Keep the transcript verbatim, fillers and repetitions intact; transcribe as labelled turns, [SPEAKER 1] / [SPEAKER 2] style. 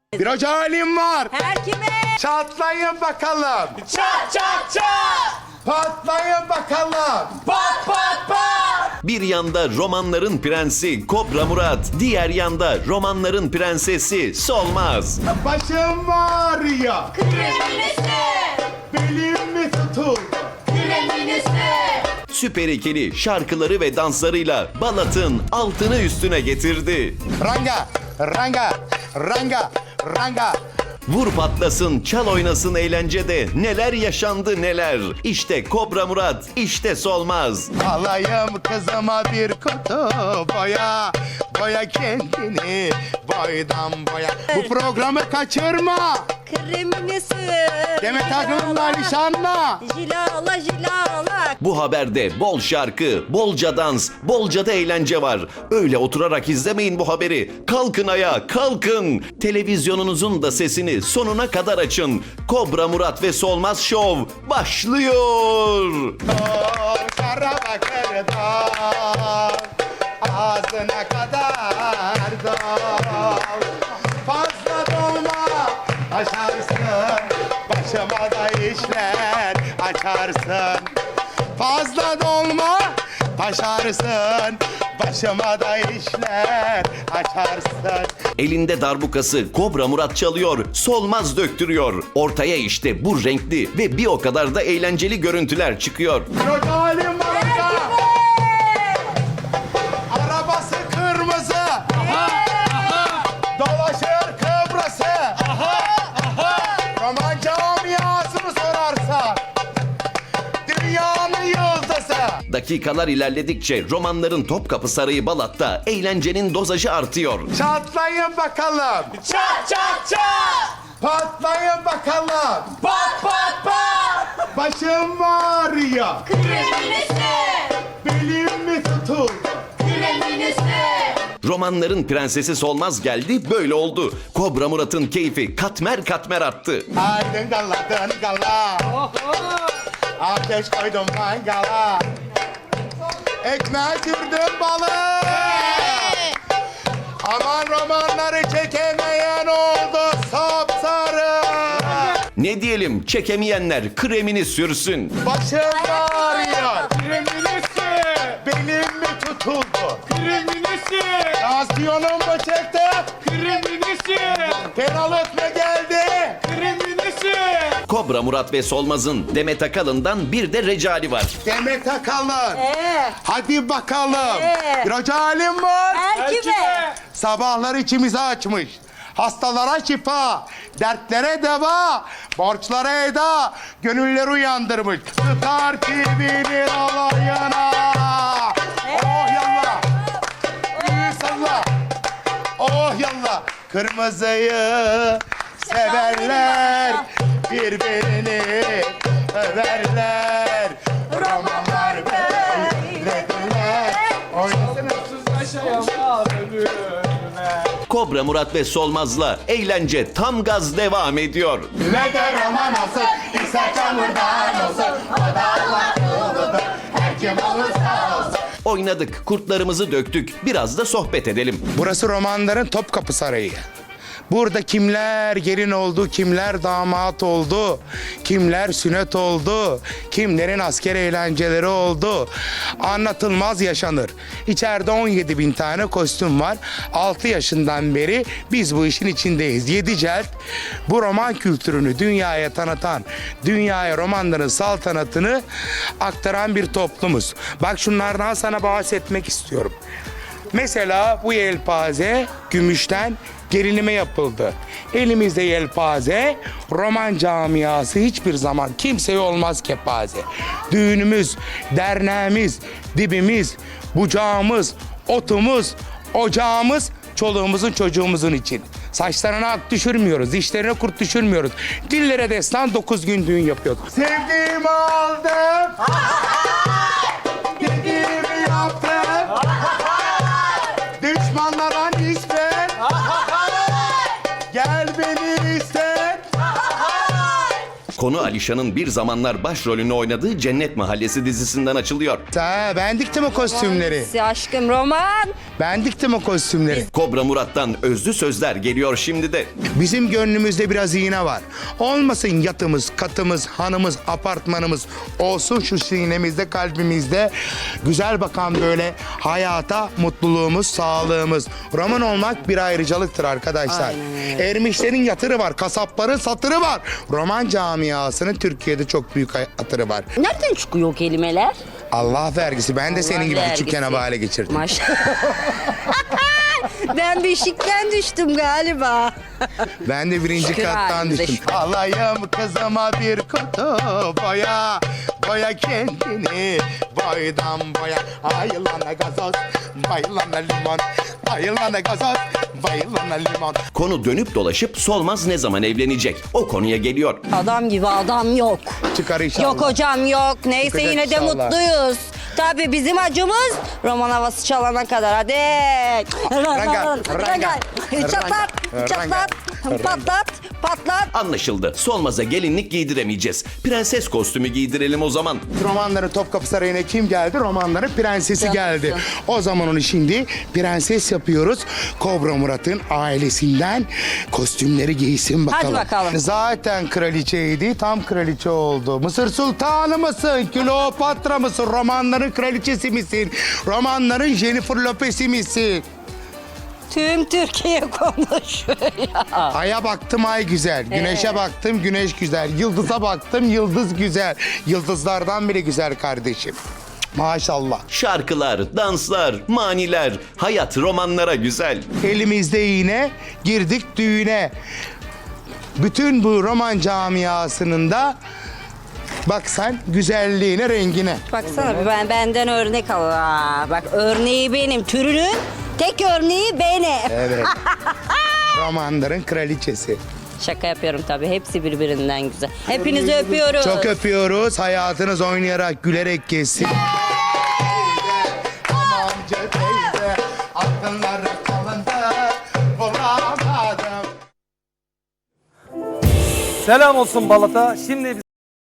[SPEAKER 1] Bir hoca halim var.
[SPEAKER 2] Her kime?
[SPEAKER 1] Çatlayın bakalım.
[SPEAKER 3] Çat çat çat!
[SPEAKER 1] Patlayın bakalım.
[SPEAKER 3] Pat pat pat!
[SPEAKER 4] Bir yanda romanların prensi Kobra Murat, diğer yanda romanların prensesi Solmaz.
[SPEAKER 1] Başım ağrıyor.
[SPEAKER 2] Kreminisi.
[SPEAKER 1] Belim mi tutuldu?
[SPEAKER 2] Kreminisi.
[SPEAKER 4] Süper ikili şarkıları ve danslarıyla Balat'ın altını üstüne getirdi.
[SPEAKER 1] Ranga, ranga, ranga, ranga.
[SPEAKER 4] Vur patlasın, çal oynasın eğlencede neler yaşandı neler. İşte Kobra Murat, işte Solmaz.
[SPEAKER 1] Alayım kızıma bir kutu boya. Boya kendini boydan boya. Bu programı kaçırma.
[SPEAKER 2] Kreminisi.
[SPEAKER 1] Demet Akın'la nişanla.
[SPEAKER 2] Jilala jilala.
[SPEAKER 4] Bu haberde bol şarkı, bolca dans, bolca da eğlence var. Öyle oturarak izlemeyin bu haberi. Kalkın ayağa, kalkın. Televizyonunuzun da sesini sonuna kadar açın. Kobra Murat ve Solmaz Show başlıyor.
[SPEAKER 1] Şara bakırdan ağzına kadar dol. Fazla dolma aşarsın, başıma da işler açarsın. Fazla dolma taşarsın, başıma da işler açarsın.
[SPEAKER 4] Elinde darbukası Kobra Murat çalıyor, Solmaz döktürüyor. Ortaya işte bu renkli ve bir o kadar da eğlenceli görüntüler çıkıyor.
[SPEAKER 1] Yok halim var orada. Arabası kırmızı. Dolaşır Kıbrıs'ı. Roman camiasını sorarsan dünyanın yıldızı.
[SPEAKER 4] Dakikalar ilerledikçe romanların Topkapı Sarayı Balat'ta eğlencenin dozajı artıyor.
[SPEAKER 1] Çatlayın bakalım.
[SPEAKER 3] Çat çat çat!
[SPEAKER 1] Patlayın bakalım.
[SPEAKER 3] Pat pat pat!
[SPEAKER 1] Başım ağrıyor.
[SPEAKER 2] Kreminisi.
[SPEAKER 1] Belim mi tutuldu?
[SPEAKER 2] Kreminisi.
[SPEAKER 4] Romanların prensesi Solmaz geldi, böyle oldu. Kobra Murat'ın keyfi katmer katmer arttı.
[SPEAKER 1] Aydın galadın gala. Ateş koydum mangala. Ekmeğe sürdüm balık. Aman romanları çekemeyen oldu sapsarı.
[SPEAKER 4] Ne diyelim, çekemeyenler kremini sürsün.
[SPEAKER 1] Başım ağrıyor.
[SPEAKER 3] Kreminisi!
[SPEAKER 1] Belim mi tutuldu?
[SPEAKER 3] Kreminisi!
[SPEAKER 1] Tansiyonum mu çekti?
[SPEAKER 3] Kreminisi!
[SPEAKER 1] Fenalık mı geldi?
[SPEAKER 3] Kreminisi!
[SPEAKER 4] Kobra Murat ve Solmaz'ın Demet Akalın'dan bir de Recali var.
[SPEAKER 1] Demet Akalın.
[SPEAKER 2] Ee,
[SPEAKER 1] Hadi bakalım.
[SPEAKER 2] Ee?
[SPEAKER 1] Bir hoca halim var.
[SPEAKER 2] her kime?
[SPEAKER 1] Sabahlar içimizi açmış. Hastalara şifa, dertlere deva, borçlara eda, gönülleri uyandırmış. Tutar kibini alayına. Oh yallah. Büyük salla. Oh yallah. Kırmızıyı severler, birbirini överler. Romanlar böyledirler. Oynasana.
[SPEAKER 3] Yaşayamaz ölüme.
[SPEAKER 4] Kobra Murat ve Solmaz'la eğlence tam gaz devam ediyor.
[SPEAKER 1] Ne de roman olsun, ise çamurdan olsun. O da Allah yoludur, her kim olursa olsun.
[SPEAKER 4] Oynadık, kurtlarımızı döktük. Biraz da sohbet edelim.
[SPEAKER 1] Burası romanların Topkapı Sarayı. Burada kimler gelin oldu, kimler damat oldu, kimler sünnet oldu, kimlerin asker eğlenceleri oldu. Anlatılmaz yaşanır. İçeride on yedi bin tane kostüm var. altı yaşından beri biz bu işin içindeyiz. yedi cilt bu roman kültürünü dünyaya tanıtan, dünyaya romanların saltanatını aktaran bir toplumuz. Bak şunlardan sana bahsetmek istiyorum. Mesela bu yelpaze gümüşten gelinime yapıldı. Elimizde yelpaze, roman camiası hiçbir zaman kimseye olmaz kepaze. Düğünümüz, derneğimiz, dibimiz, bucağımız, otumuz, ocağımız, çoluğumuzun çocuğumuzun için. Saçlarına ak düşürmüyoruz, dişlerine kurt düşürmüyoruz. Dillere destan dokuz gün düğün yapıyorduk. Sevdiğimi aldım. Dediğimi yaptım. Düşmanlara nispet. Gel beni iste.
[SPEAKER 4] Konu Alişan'ın bir zamanlar başrolünü oynadığı Cennet Mahallesi dizisinden açılıyor.
[SPEAKER 1] Ha, ben diktim o kostümleri.
[SPEAKER 2] Si aşkım roman.
[SPEAKER 1] Ben diktim o kostümleri.
[SPEAKER 4] Kobra Murat'tan özlü sözler geliyor şimdi de.
[SPEAKER 1] Bizim gönlümüzde biraz iğne var. Olmasın yatımız, katımız, hanımız, apartmanımız. Olsun şu sinemizde, kalbimizde güzel bakan böyle hayata mutluluğumuz, sağlığımız. Roman olmak bir ayrıcalıktır arkadaşlar. Ermişlerin yatırı var, kasapların satırı var. Roman camiasının Türkiye'de çok büyük hatırı var.
[SPEAKER 2] Nereden çıkıyor o kelimeler?
[SPEAKER 1] Allah vergisi. Ben de senin
[SPEAKER 2] Allah
[SPEAKER 1] gibi
[SPEAKER 2] vergisi.
[SPEAKER 1] küçükken havale geçirdim.
[SPEAKER 2] Maşallah. Ben beşikten düştüm galiba.
[SPEAKER 1] Ben de birinci
[SPEAKER 2] Şükür
[SPEAKER 1] kattan
[SPEAKER 2] halimize
[SPEAKER 1] düştüm.
[SPEAKER 2] şükür.
[SPEAKER 1] Alayım kızıma bir kutu boya. Boya kendini boydan boya. Ayılana gazoz, bayılana limon. Ayılana gazoz, bayılana limon.
[SPEAKER 4] Konu dönüp dolaşıp Solmaz ne zaman evlenecek? O konuya geliyor.
[SPEAKER 2] Adam gibi adam yok.
[SPEAKER 1] Çıkar inşallah.
[SPEAKER 2] Yok hocam yok. Neyse
[SPEAKER 1] Çıkacak
[SPEAKER 2] yine de
[SPEAKER 1] inşallah.
[SPEAKER 2] mutluyuz. Tabii bizim acımız roman havası çalana kadar. Hadi.
[SPEAKER 1] Ranga, ranga,
[SPEAKER 2] Çatlat,
[SPEAKER 1] ranga,
[SPEAKER 2] çatlat,
[SPEAKER 1] ranga.
[SPEAKER 2] patlat, patlat.
[SPEAKER 4] Anlaşıldı. Solmaz'a gelinlik giydiremeyeceğiz. Prenses kostümü giydirelim o zaman.
[SPEAKER 1] Romanların Topkapı Sarayı'na kim geldi? Romanların prensesi
[SPEAKER 2] Canım.
[SPEAKER 1] geldi. O zaman onu şimdi prenses yapıyoruz. Kobra Murat'ın ailesinden kostümleri giysin bakalım.
[SPEAKER 2] Hadi bakalım.
[SPEAKER 1] Zaten kraliçeydi, tam kraliçe oldu. Mısır Sultanı mısın? Kleopatra mısın? Romanların kraliçesi misin? Romanların Jennifer Lopez'i misin?
[SPEAKER 2] Tüm Türkiye konuşuyor ya.
[SPEAKER 1] Ay'a baktım ay güzel, güneşe
[SPEAKER 2] Evet.
[SPEAKER 1] baktım güneş güzel, yıldıza baktım yıldız güzel. Yıldızlardan bile güzel kardeşim. Maşallah.
[SPEAKER 4] Şarkılar, danslar, maniler, hayat romanlara güzel.
[SPEAKER 1] Elimizde yine girdik düğüne. Bütün bu roman camiasının da bak sen güzelliğine, rengine.
[SPEAKER 2] Baksana bir ben benden örnek al. Aa, bak örneği benim. Türünün tek örneği benim.
[SPEAKER 1] Evet. Romanların kraliçesi.
[SPEAKER 2] Şaka yapıyorum tabii. Hepsi birbirinden güzel. Hepinizi öpüyoruz.
[SPEAKER 1] Çok öpüyoruz. Hayatınız oynayarak, gülerek geçsin. Amca teyze, aklınlara kalındı, bulamadım.
[SPEAKER 3] Selam olsun Balat'a. Şimdi